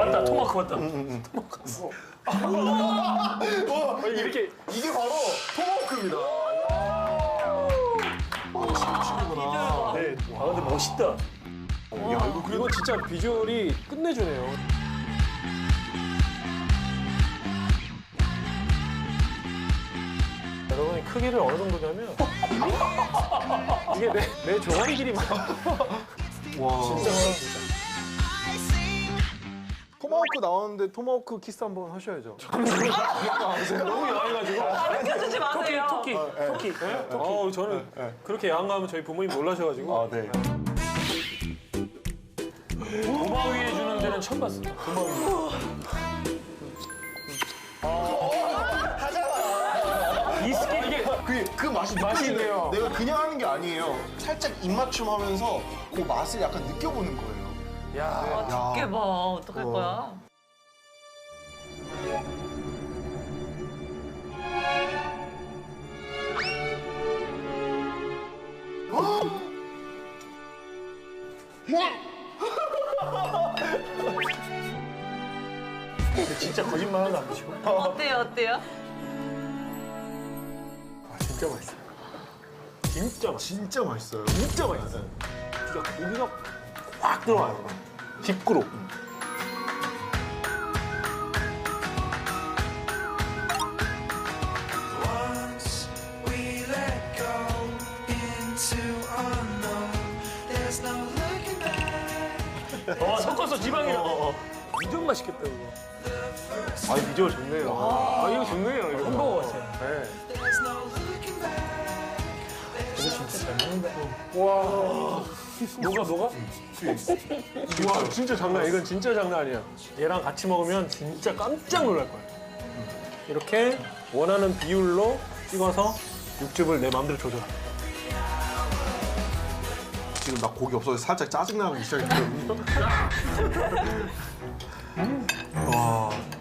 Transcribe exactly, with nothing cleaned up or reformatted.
맞다, 토마호크 맞다. 응, 토마호크. 와, 이렇게 이게 바로 토마호크입니다. 아, 네. 아 근데 멋있다. 야, 이거 그래도 이거 진짜 비주얼이 끝내주네요. 여러분이 크기를 어느 정도냐면 이게 내, 내 종아리 길이만. 와. 진짜 진짜. 토마호크 나왔는데 토마호크 키스 한번 하셔야죠. 너무 야해가지고. 가르쳐주지 마세요. 토끼, 토끼, 토끼. 네? 어, 저는 그렇게 야한 거 하면 저희 부모님 놀라셔가지고. 아, 네. 도마 위에 주는 데는 처음 봤어. 도마 위에. 이 스킬 이게 그, 그 맛이 맛이 느껴지네요. 있네요. 내가 그냥 하는 게 아니에요. 살짝 입맞춤 하면서 그 맛을 약간 느껴보는 거예요. 야. 아, 두께 봐. 어떡할 어. 거야? 진짜 거짓말 하나도 안 치고. 어때요, 어때요? 아, 진짜 맛있어. 진짜 맛있어. 진짜 맛있어요. 진짜 맛있어. 진짜 고기가 확 들어와요. 딥그로. Once we let go into unknown, there's no looking back. 어, 섞어서 지방이랑. 완전 맛있겠다, 이거. 아, 비주얼 좋네요. 아, 이거 좋네요. 이거 햄버거 같아요. 네. There's no looking back. 이거 진짜 잘 먹는다. 와. 녹아, 녹아? 와, 진짜 장난 아니야. 이건 진짜 장난 아니야. 얘랑 같이 먹으면 진짜 깜짝 놀랄 거야. 이렇게 원하는 비율로 찍어서 육즙을 내 마음대로 조절해. 지금 나 고기 없어서 살짝 짜증나기 시작했거든요. 와.